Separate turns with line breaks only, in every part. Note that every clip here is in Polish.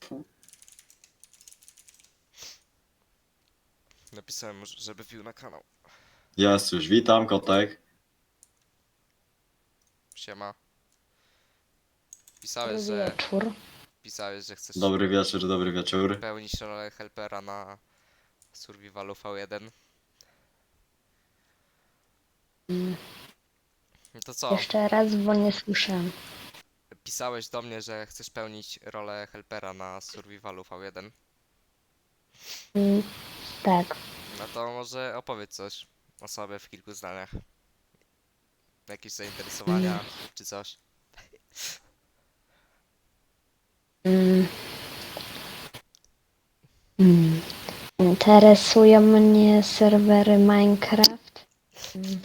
Napisałem, żeby wbił na kanał.
Jest już, witam kotek.
Siema.
Dobry wieczór.
Pisałeś, że chcesz
Dobry wieczór.
pełnić rolę helpera na Survivalu V1.
Mm,
No to co?
Jeszcze raz, bo nie słyszałem.
Pisałeś do mnie, że chcesz pełnić rolę helpera na Survivalu V1.
Mm, Tak.
No to może opowiedz coś o sobie w kilku zdaniach. Jakieś zainteresowania czy coś.
Mm, mm. Interesują mnie serwery Minecraft. Mm,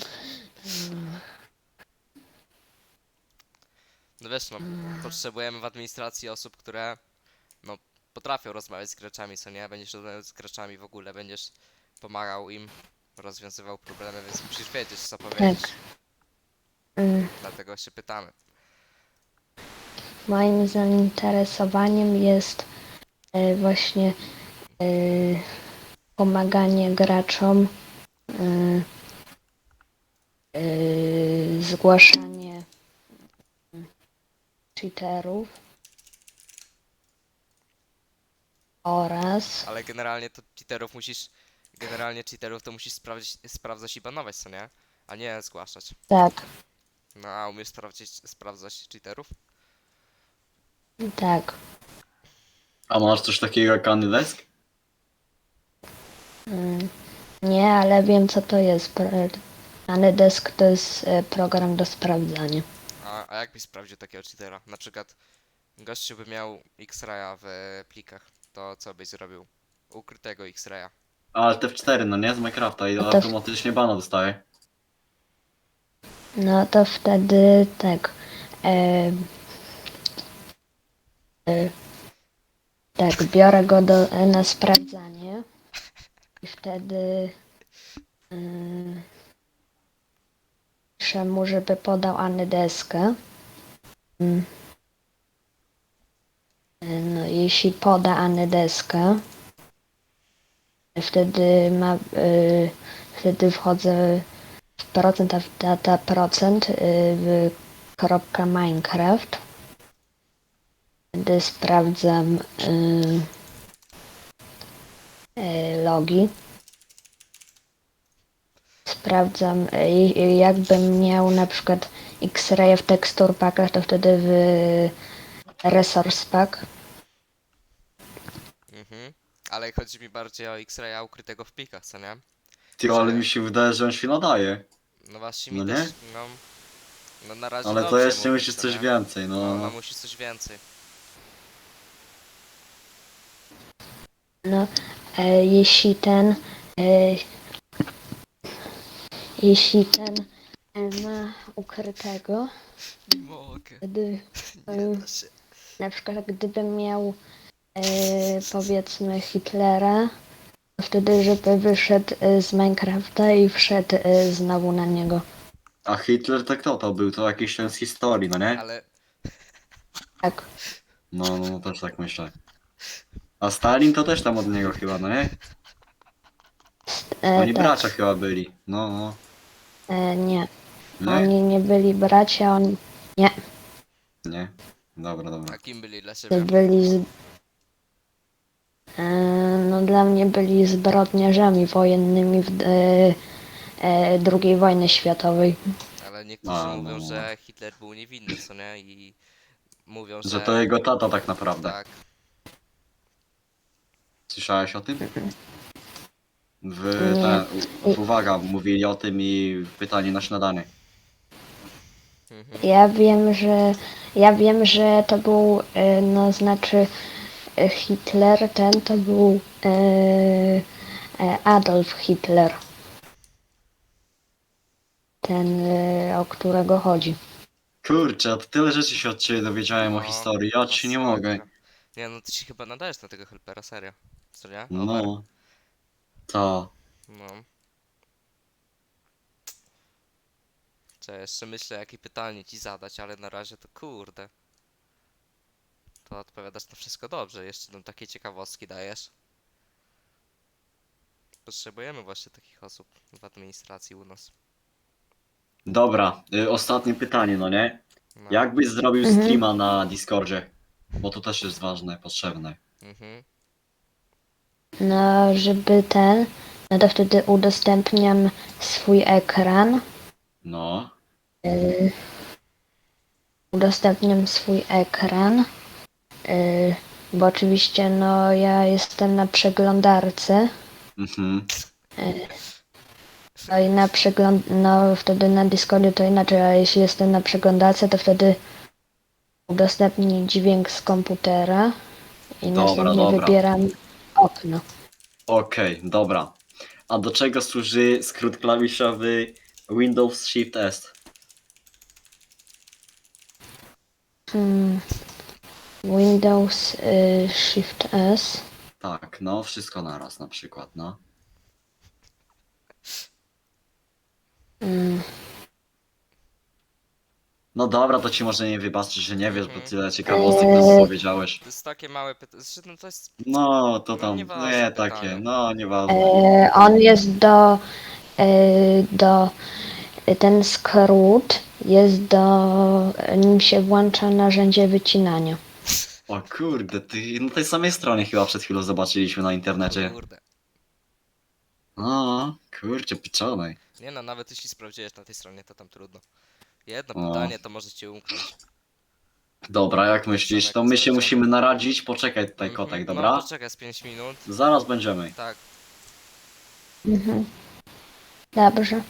No wiesz, no, potrzebujemy w administracji osób, które no potrafią rozmawiać z graczami, co nie? Będziesz rozmawiał z graczami w ogóle, będziesz pomagał im, rozwiązywał problemy, więc musisz wiedzieć co powiedzieć.
mm.
Dlatego się pytamy.
Moim zainteresowaniem jest właśnie e, pomaganie graczom, zgłaszanie cheaterów oraz
Ale generalnie cheaterów to musisz sprawdzać i banować, co nie? A nie zgłaszać.
tak,
No a umiesz sprawdzać cheaterów?
tak.
A masz coś takiego jak Anydesk?
Mm, Nie, ale wiem co to jest. Anydesk to jest program do sprawdzania.
A jak byś sprawdził takiego cheatera? Na przykład gościu by miał X-raya w plikach, to co byś zrobił? Ukrytego X-raya.
Ale te F4, no nie? Z Minecrafta i
No to,
automatycznie bana dostaje.
no to wtedy tak. E, e, tak, biorę go na sprawdzanie i wtedy piszę mu, żeby podał Anydeskę. Mm, No, jeśli poda Anydeskę, wtedy wchodzę w procent, a w data procent w kropka Minecraft. Wtedy sprawdzam logi. Sprawdzam, jakbym miał na przykład X-ray w texture packach, to wtedy w resource pack.
Mhm. Ale chodzi mi bardziej o X-raya ukrytego w plikach, co nie?
Ty, ale
Że
mi się wydaje, że on się nadaje.
no właśnie mi
No
też,
nie?
no na razie
Ale to
dobrze
jeszcze
mówi,
musisz
co
coś
nie?
więcej,
No
no.
musisz coś więcej.
No, e, jeśli ten, e, jeśli ten ma ukrytego,
Nie mogę,
wtedy
nie da się.
na przykład gdybym miał powiedzmy Hitlera, to wtedy żeby wyszedł z Minecrafta i wszedł znowu na niego.
A Hitler to kto to był? To jakiś ten z historii, no nie?
Ale
Tak,
No, też tak myślę. A Stalin to też tam od niego chyba, no nie? Oni
tak,
bracia chyba byli. No.
nie.
Nie?
Oni nie byli bracia, nie,
Nie. Dobra.
a kim byli dla ciebie?
byli no dla mnie byli zbrodniarzami wojennymi w II wojny światowej.
Ale niektórzy
A,
mówią,
no.
że Hitler był niewinny, co nie? I mówią,
Że to
że
jego tata tak naprawdę.
tak.
Słyszałeś o tym?
Nie.
Uwaga, mówili o tym i pytanie na śniadanie.
Mhm.
Ja wiem, że to był, no znaczy Hitler, ten to był Adolf Hitler. Ten, o którego chodzi.
Kurczę, to tyle rzeczy się od ciebie dowiedziałem o
No,
historii, ja ci nie mogę.
masakra. Nie no, ty się chyba nadajesz na tego helpera, serio. Co nie? Over.
No, to.
No. Czy jeszcze myślę, jakie pytanie ci zadać, ale na razie to kurde. to odpowiadasz na wszystko dobrze. Jeszcze nam takie ciekawostki dajesz. Potrzebujemy właśnie takich osób w administracji u nas.
Dobra, ostatnie pytanie, no nie?
No.
Jak byś zrobił
Mhm.
streama na Discordzie? Bo to też jest ważne, potrzebne.
Mhm.
No, żeby ten, no to wtedy udostępniam swój ekran.
No.
Udostępniam swój ekran. Bo oczywiście, no, ja jestem na przeglądarce.
Mhm.
No i no wtedy na Discordzie to inaczej, a jeśli jestem na przeglądarce, to wtedy udostępnię dźwięk z komputera i
Dobra,
następnie
dobra.
wybieram okno.
Okej, dobra. A do czego służy skrót klawiszowy Windows Shift S?
Windows Shift S.
Tak, no, wszystko naraz na przykład, no.
Mm,
No dobra, to ci może nie wybaczyć, że nie wiesz, bo
Mhm.
tyle ciekawostek nam powiedziałeś.
To jest takie małe pytanie. No to jest.
No, to
No,
tam,
nieważne
nie takie,
pytanie.
no, nieważne.
On jest do ten skrót jest nim się włącza narzędzie wycinania.
O kurde, ty na tej samej stronie chyba przed chwilą zobaczyliśmy na internecie.
Kurde.
No, kurczę, piczonej.
Nie no, nawet jeśli sprawdziłeś na tej stronie, to tam trudno. Jedno
O.
pytanie to może cię umknąć.
Dobra, jak myślisz, to my się musimy naradzić, poczekaj tutaj kotek,
No
dobra?
poczekaj z 5 minut.
Zaraz będziemy.
Tak.
Mhm. Dobrze.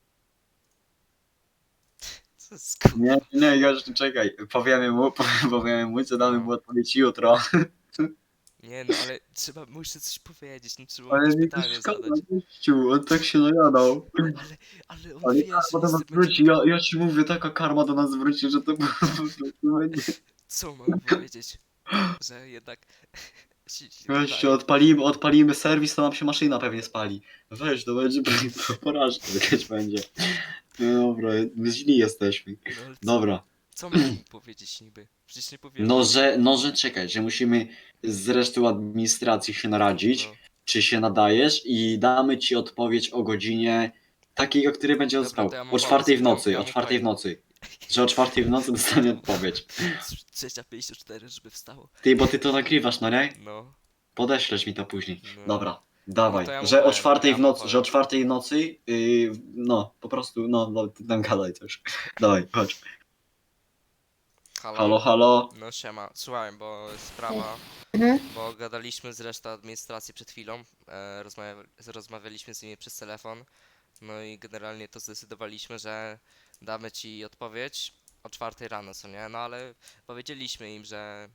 Co jest kur...
Nie, nie, już czekaj, powiemy mu, co damy mu odpowiedź jutro.
Nie no, ale muszę coś powiedzieć, no trzeba mu
Ale
jakieś
mi to
pytanie
szkoda,
zadać.
gościu, on tak się najadał.
Ale on
Ale
wie, że
karma do
nic
nas
nie będzie...
wróci, ja ci mówię, taka karma do nas wróci, że to będzie.
Co mam powiedzieć? Że jednak... się
Gościu,
wydaje.
odpalimy serwis, to nam się maszyna pewnie spali. Weź, to będzie porażka jakaś będzie. No dobra, my źli jesteśmy.
No, ale
Dobra.
co mam mu powiedzieć niby? Przecież nie powiem.
No, że czekaj, że musimy z resztą administracji się naradzić,
No.
czy się nadajesz i damy ci odpowiedź o godzinie takiej, o której będzie
Dobra,
dostał.
to ja mam
O 4 w
pomysł,
nocy,
ja
o
mu
4 w
powiem.
nocy. Że o 4 w nocy dostanie odpowiedź.
3:54, żeby wstało.
Ty, bo ty to nagrywasz, no nie?
No.
Podeślesz mi to później.
No.
Dobra, dawaj.
No to ja mu
Że o
powiem,
4
ja
w
mu
nocy,
powiem.
że o 4 w nocy, no, po prostu, no, ty tam gadaj coś. Dawaj, chodź.
Halo?
Halo, halo.
No siema, słuchaj, bo jest sprawa,
Mhm.
bo gadaliśmy z resztą administracji przed chwilą, rozmawialiśmy z nimi przez telefon, no i generalnie to zdecydowaliśmy, że damy ci odpowiedź o 4 rano, co nie? No ale powiedzieliśmy im, że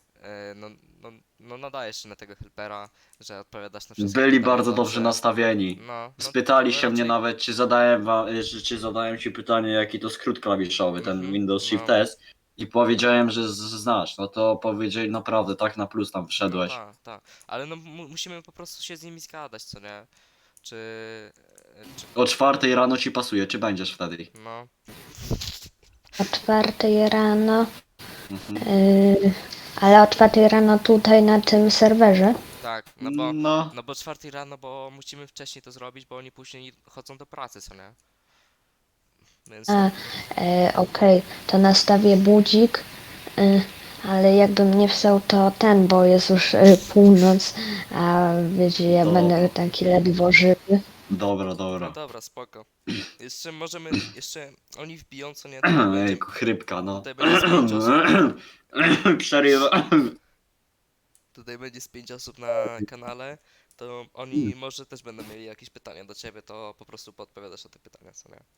no nadajesz się na tego helpera, że odpowiadasz na wszystkie
Byli
pytania
bardzo dobrze nastawieni.
No
Spytali się mnie
raczej-
nawet, czy zadałem ci pytanie, jaki to skrót klawiszowy, ten
Mhm,
Windows
no.
Shift S. I powiedziałem, że znasz. No to powiedzieli naprawdę, tak na plus tam
No
wszedłeś.
tak, tak, ale no musimy po prostu się z nimi zgadać, co nie? Czy...
O 4 rano ci pasuje, czy będziesz wtedy?
No,
O 4 rano.
Mhm.
Ale o 4 rano tutaj na tym serwerze.
tak,
No,
no bo 4 rano, bo musimy wcześniej to zrobić, bo oni później chodzą do pracy, co nie? Więc
A, okej, to nastawię budzik, ale jakbym nie wstał to bo jest już północ, a wiecie, ja
Dobra.
będę taki ledwo żywy.
dobra,
no
dobra.
dobra, spoko. Jeszcze możemy, oni wbiją, co nie? Tutaj będzie,
Ejku, chrypka, no.
tutaj będzie z 5 osób,
Przerywa.
tutaj będzie z 5 osób na kanale, to oni może też będą mieli jakieś pytania do ciebie, to po prostu podpowiadasz na te pytania, co nie?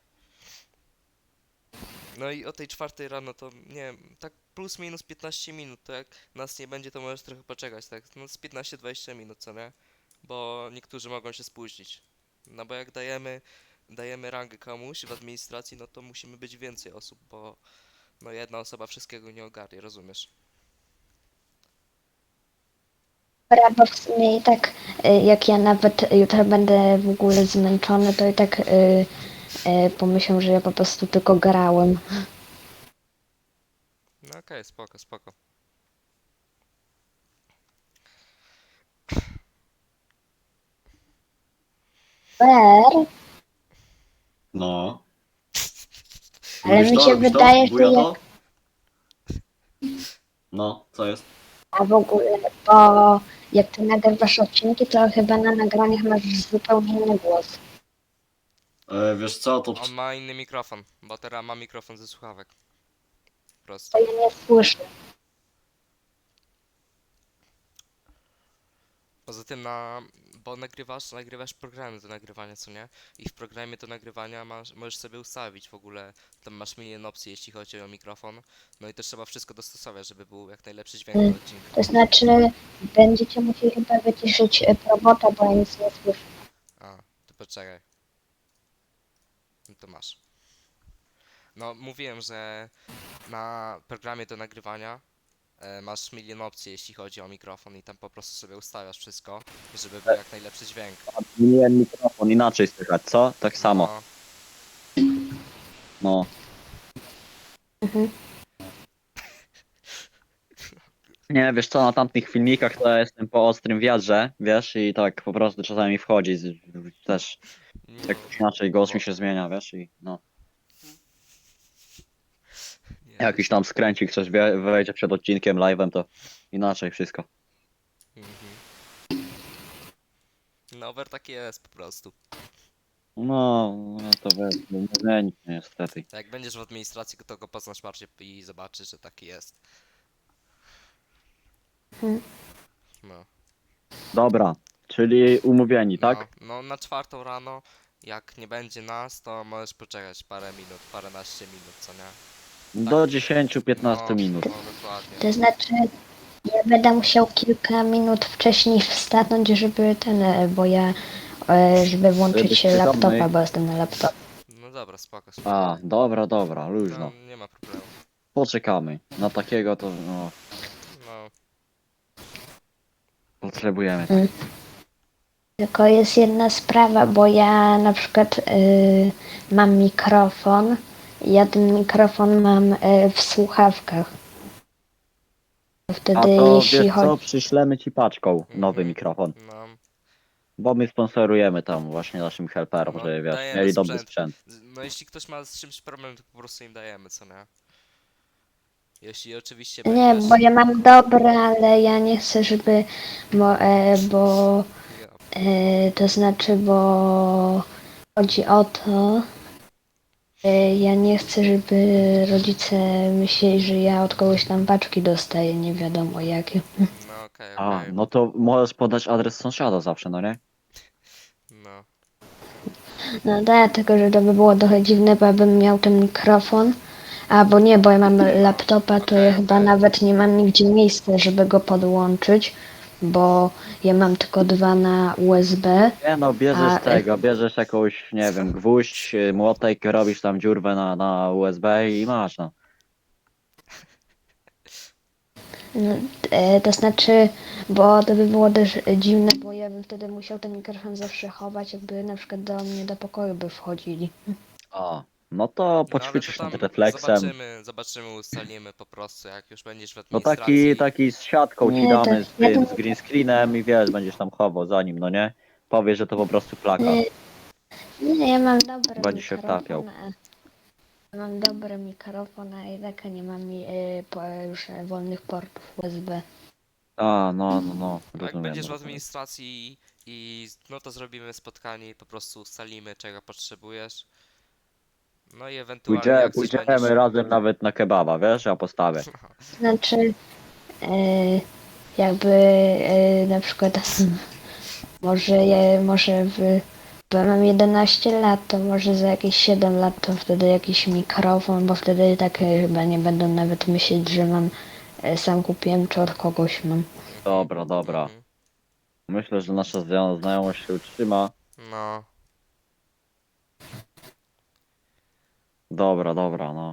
No i o tej 4 rano to nie wiem, tak plus minus 15 minut, to jak nas nie będzie, to możesz trochę poczekać, tak? No z 15-20 minut, co nie? Bo niektórzy mogą się spóźnić. No bo jak dajemy rangę komuś w administracji, no to musimy być więcej osób, bo no jedna osoba wszystkiego nie ogarnie, rozumiesz?
Dobra, bo w sumie i tak, jak ja nawet jutro będę w ogóle zmęczony, to i tak pomyślę, że ja po prostu tylko grałem.
No okej, spoko, spoko.
Super,
No.
ale
Lubisz
mi
to?
się
Lubisz to?
wydaje, że
Buja
jak,
to? No, co jest?
a w ogóle, bo jak ty nagrywasz odcinki, to chyba na nagraniach masz zupełnie inny głos.
Wiesz co, to...
On ma inny mikrofon, bo teraz ma mikrofon ze słuchawek. Po prostu.
To ja nie słyszę.
Poza tym bo nagrywasz programy do nagrywania, co nie? I w programie do nagrywania możesz sobie ustawić w ogóle, tam masz milion opcji, jeśli chodzi o mikrofon. No i też trzeba wszystko dostosować, żeby był jak najlepszy dźwięk do odcinka.
To znaczy, będziecie musieli chyba wyciszyć robota, bo ja nic nie słyszę.
A, to poczekaj. No to masz. No, mówiłem, że na programie do nagrywania masz milion opcji, jeśli chodzi o mikrofon i tam po prostu sobie ustawiasz wszystko, żeby był jak najlepszy dźwięk.
Zmieniłem mikrofon, inaczej słychać, co? Tak samo.
No,
No.
Mhm.
Nie, wiesz co, na tamtych filmikach to ja jestem po ostrym wiatrze, wiesz, i tak po prostu czasami wchodzi też
no,
jakoś inaczej głos mi się zmienia, wiesz, i no.
nie.
Jakiś tam skręcik coś wejdzie przed odcinkiem, live'em, to inaczej wszystko.
Mhm. No, over taki jest po prostu.
No to wiesz, no, nie zmieni się niestety.
Jak będziesz w administracji, to go poznasz bardziej i zobaczysz, że taki jest.
Mhm.
No.
Dobra, czyli umówieni, tak?
No, na 4 rano, jak nie będzie nas, to możesz poczekać parę minut, paręnaście minut, co nie?
Do 10-15
No,
minut.
no, dokładnie.
To znaczy, ja będę musiał kilka minut wcześniej wstanąć, żeby bo ja, żeby włączyć
Żebyś
laptopa,
przytomny.
bo jestem na laptopie.
No dobra, spoko, spoko.
A, dobra, luźno.
No, nie ma problemu.
Poczekamy. Na takiego to, no,
No,
potrzebujemy.
Tylko jest jedna sprawa, bo ja na przykład mam mikrofon, ja ten mikrofon mam w słuchawkach.
A
Wtedy
to
jeśli
wiesz co,
chodzi...
przyślemy ci paczką nowy
Mhm.
mikrofon.
no,
Bo my sponsorujemy tam właśnie naszym helperom,
No,
żeby wiesz,
dajemy
mieli dobry
sprzęt.
sprzęt.
No jeśli ktoś ma z czymś problem, to po prostu im dajemy, co nie? Jeśli oczywiście
Nie,
będziesz...
bo ja mam dobre, ale ja nie chcę, żeby... bo
Ja,
to znaczy, bo chodzi o to, ja nie chcę, żeby rodzice myśleli, że ja od kogoś tam paczki dostaję, nie wiadomo jakie.
no okej,
A,
okej.
no to możesz podać adres sąsiada zawsze, no nie?
No,
No tak, tylko że to by było trochę dziwne, bo ja bym miał ten mikrofon, bo nie, bo ja mam laptopa, to ja
Okej,
chyba
okej.
nawet nie mam nigdzie miejsca, żeby go podłączyć, bo ja mam tylko dwa na USB.
Nie no, bierzesz
A,
tego, bierzesz jakąś, nie wiem, gwóźdź, młotek, robisz tam dziurwę na USB i masz, no.
No, to znaczy, bo to by było też dziwne, bo ja bym wtedy musiał ten mikrofon zawsze chować, jakby na przykład do mnie do pokoju by wchodzili.
A, no to
no ale to
poćwiczysz
tam
nad refleksem.
zobaczymy, ustalimy po prostu, jak już będziesz w
No
administracji.
taki z siatką ci
Nie, to
damy, z
ja
tym,
to-
z green screenem i wiesz, będziesz tam chował za nim, no nie? Powiesz, że to po prostu plakat.
Nie, ja mam dobry
Będzie się
mikrofon.
wtapiał.
Mam dobry mikrofon, a i tak nie mam już wolnych portów USB.
A, no,
Jak
rozumiem.
będziesz w
rozumiem.
administracji no to zrobimy spotkanie i po prostu ustalimy, czego potrzebujesz. No i ewentualnie jak coś
Pójdziemy
będziesz...
razem nawet na kebaba, wiesz, ja postawię.
Znaczy, jakby na przykład bo ja mam 11 lat, to może za jakieś 7 lat to wtedy jakiś mikrofon, bo wtedy tak chyba nie będą nawet myśleć, że mam sam kupiłem, czy od kogoś mam.
Dobra.
Mhm.
Myślę, że nasza znajomość się utrzyma.
No,
Dobra, no.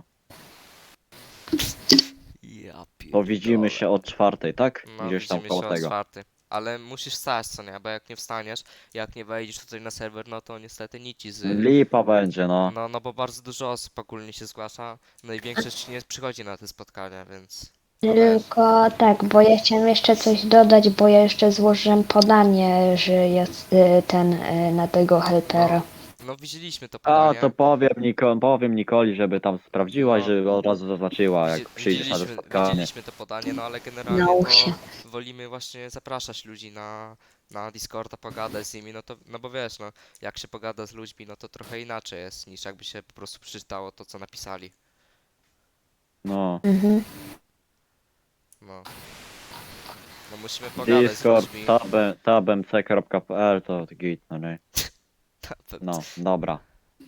ja
To widzimy się o 4:00, tak?
No,
Gdzieś tam
widzimy
koło
się o
tego.
4. Ale musisz wstać, co nie? Bo jak nie wstaniesz, jak nie wejdziesz tutaj na serwer, no to niestety nic ci z...
Lipa będzie, no.
No bo bardzo dużo osób ogólnie się zgłasza, no i większość nie przychodzi na te spotkania, więc...
Tylko tak, bo ja chciałem jeszcze coś dodać, bo ja jeszcze złożyłem podanie, że jest na tego helpera.
No widzieliśmy to
A,
podanie.
to powiem Nikoli, żeby tam sprawdziła i
No.
żeby od razu zaznaczyła, jak przyjdziesz na to spotkanie.
Widzieliśmy to podanie, no ale generalnie
Naucz
to
się.
wolimy właśnie zapraszać ludzi na Discorda, pogadać z nimi, no to, no bo wiesz, no, jak się pogada z ludźmi, no to trochę inaczej jest, niż jakby się po prostu przeczytało to, co napisali.
No.
Mhm.
No. No musimy pogadać
Discord
z ludźmi.
tabmc.pl to git, no nie? No, dobra.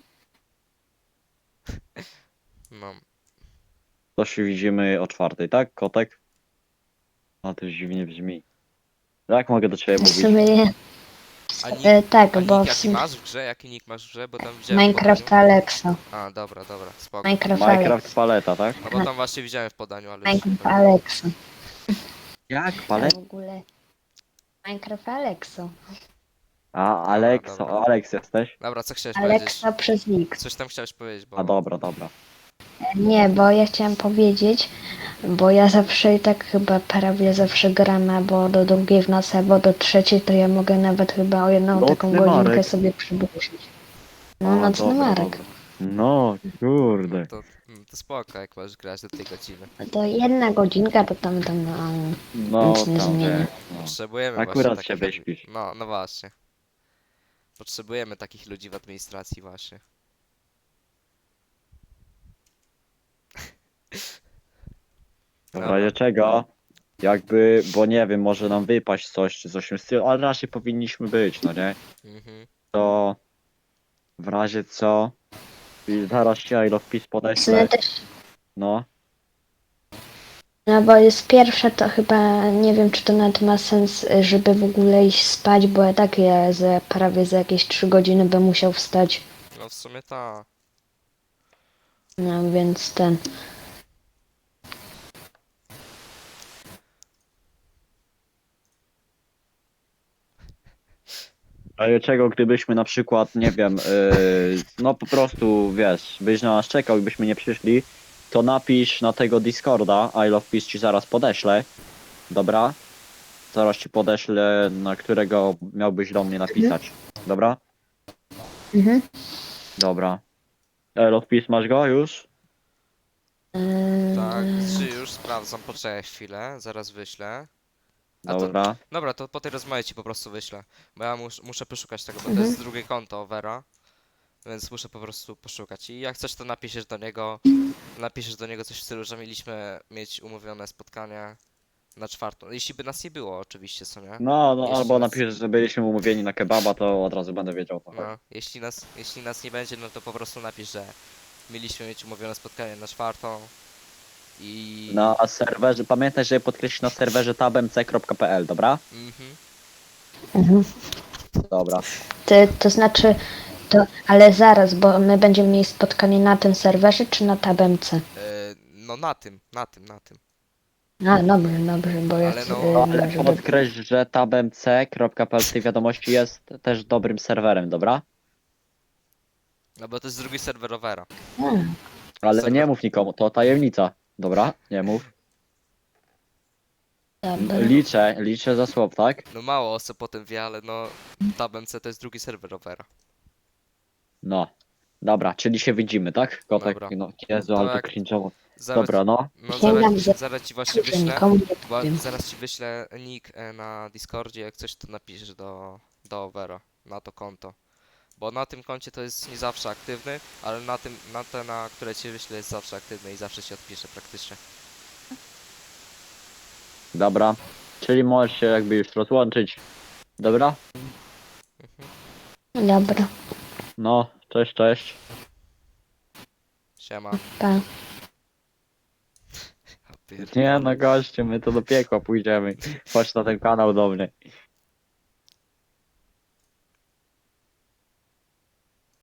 No.
To się widzimy o 4:00, tak, kotek? No to już dziwnie brzmi. Jak mogę do ciebie
W
mówić?
sumie nie.
A nick,
Tak,
a
bo
nick
w
jaki
sumie
masz w grze? Jaki nick masz w grze? Bo tam widziałem w
Minecraft
podaniu.
Alexa.
A, dobra, spoko.
Minecraft Alexa.
Minecraft paleta, tak?
No bo tam właśnie widziałem w podaniu, ale już nie
Minecraft
pamiętam.
Alexa.
Jak
A
paleta?
w ogóle Minecraft Alexa.
A,
dobra.
Alex jesteś?
Dobra, co chciałeś powiedzieć?
Alexa przez X.
Coś tam chciałeś powiedzieć, bo...
A dobra, dobra.
Nie, bo ja chciałam powiedzieć, bo ja zawsze i tak chyba prawie zawsze gram albo do drugiej w nocy, albo do trzeciej, to ja mogę nawet chyba o jedną
Nocny
taką godzinkę
Marek.
sobie przybudzić. No,
O,
nocny
dobra,
Marek.
dobra. No, kurde.
To spoko, jak możesz grać do tej godziny.
To jedna godzinka, to tam
No,
nic nie
tam
zmienia.
wiesz, no.
Potrzebujemy
Akurat
właśnie
się
takich
wyśpisz.
No, no właśnie. Potrzebujemy takich ludzi w administracji właśnie.
W razie czego? Jakby, bo nie wiem, może nam wypaść coś czy coś w tym stylu, ale raczej powinniśmy być, no nie?
Mhm.
To w razie co? I zaraz ci I love Peace
W sumie
podeślę.
też,
No.
no bo jest pierwsza, to chyba nie wiem, czy to nawet ma sens, żeby w ogóle iść spać, bo ja tak prawie za jakieś 3 godziny bym musiał wstać.
No w sumie ta.
No więc ten.
W razie czego, gdybyśmy na przykład, nie wiem, no po prostu, wiesz, byś na nas czekał i byśmy nie przyszli, to napisz na tego Discorda, I love Peace ci zaraz podeślę. Dobra? Zaraz ci podeślę, na którego miałbyś do mnie napisać. Dobra?
Mhm.
Dobra. I love Peace masz go już?
Tak, czy już sprawdzam, poczekaj chwilę, zaraz wyślę. A to-
Dobra.
Dobra, to po tej rozmowie ci po prostu wyślę. Bo ja muszę poszukać tego, bo to
Mhm.
jest drugie konto Vera. Więc muszę po prostu poszukać. I jak coś, to napiszesz do niego coś w stylu, że mieliśmy mieć umówione spotkanie na 4:00. Jeśli by nas nie było, oczywiście, co nie?
No,
Jeśli
albo
nas-
napiszesz, że byliśmy umówieni na kebaba, to od razu będę wiedział. To
No, jeśli nas nie będzie, no to po prostu napisz, że mieliśmy mieć umówione spotkanie na 4:00 i...
Na serwerze, pamiętaj, żeby podkreślić na serwerze tabmc.pl, dobra?
Mhm.
Mhm.
Dobra.
To znaczy, ale zaraz, bo my będziemy mieli spotkanie na tym serwerze, czy na tabemce?
No na tym.
A, dobrze, bo ja
Ale
chcę,
no,
Ale
żeby...
podkreśl, że tabmc.pl w tej wiadomości jest też dobrym serwerem, dobra?
No bo to jest drugi serwer Overa.
Ale
Serwer-
nie mów nikomu, to tajemnica. Dobra? Nie mów.
Dobra.
Liczę za słowo, tak?
No mało osób o tym wie, ale no TabMC to jest drugi serwer Overa.
No. Dobra, czyli się widzimy, tak? Kotek,
Dobra.
no Jezu,
To
ale to
jak-
cringe'owo.
Zaraz,
Dobra, no.
no
Sięgam
zaraz ci właśnie
że
wyślę.
nikomu nie
Bo
powiem.
zaraz ci wyślę nick na Discordzie, jak coś to napiszesz do Overa, na to konto. Bo na tym koncie to jest nie zawsze aktywny, ale na te, na które ci wyślę, jest zawsze aktywny i zawsze się odpisze praktycznie.
Dobra. Czyli możesz się jakby już rozłączyć. Dobra?
Dobra,
No, cześć, cześć.
Siema.
pa.
Ja pierdolę.
Nie no gościu, my to do piekła pójdziemy. Chodź na ten kanał do mnie.